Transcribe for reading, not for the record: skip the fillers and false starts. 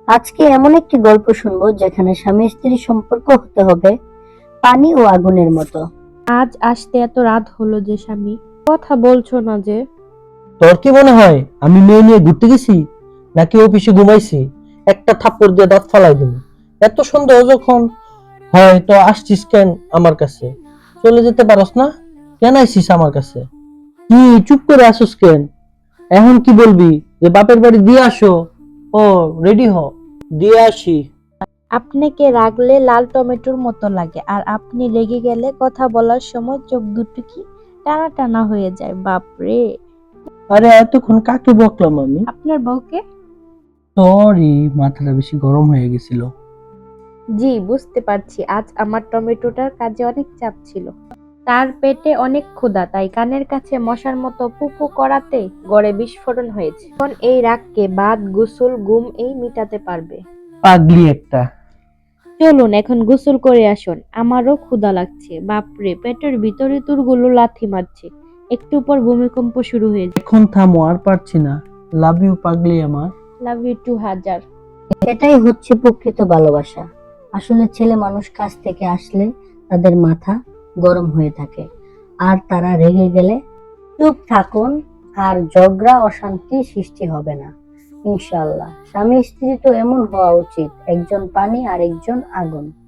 আজকে এমন একটি গল্প শুনবো যেখানে স্বামী স্ত্রীর সম্পর্ক হতে হবে পানি ও আগুনের মতো। আজ আসতে এত রাত হলো যে স্বামী, কথা বলছো না যে? তোর কি মনে হয় আমি মেয়ে নিয়ে ঘুরতে গেছি নাকি অফিসে ঘুমাইছি? একটা থাপ্পড় দিয়ে দাঁত ফালাই দিব। এত সন্দেহ যখন হয় তো আসছিস কেন আমার কাছে? চলে যেতে পারস না? কেন আইছিস আমার কাছে? কি চুপ করে আসিস কেন? এখন কি বলবি যে বাপের বাড়ি দিয়ে আসো? ও, রেডি হ, দিয়ে আসি। আপনাকে রাগলে লাল টমেটোর মতো লাগে, আর আপনি রেগে গেলে কথা বলার সময় চোখ দুটো কি টানা টানা হয়ে যায়। বাপরে! আরে এতক্ষণ কাকে বকলাম আমি? আপনার বউকে। সরি, মাথাটা বেশি গরম হয়ে গেছিল। জি, বুঝতে পারছি, আজ আমার টমেটোটার কাজে অনেক চাপ ছিল। তার পেটে অনেক ক্ষুধা, তাই কানের কাছে মশার মতো পুপু করাতে গড়ে বিস্ফোরণ হয়েছে। এখন এই রাগকে বাদ, গোসল, ঘুম এই মিটাতে পারবে। পাগলি একটা। চলুন এখন গোসল করে আসুন, আমারও ক্ষুধা লাগছে। বাপরে, পেটের ভিতরে তুরগুলো লাথি মারছে। একটু পর ভূমিকম্প শুরু হয়ে যায়। এখন থামো, আর পারছি না। লাভ ইউ পাগলি আমার। লাভ ইউ টু হাজার। এটাই হচ্ছে প্রকৃত ভালোবাসা। আসলে ছেলে মানুষ কাছ থেকে আসলে তাদের মাথা গরম হয়ে থাকে, আর তারা রেগে গেলে চুপ থাকুন, আর ঝগড়া অশান্তি সৃষ্টি হবে না ইনশাআল্লাহ। স্বামী স্ত্রী তো এমন হওয়া উচিত, একজন পানি আর একজন আগুন।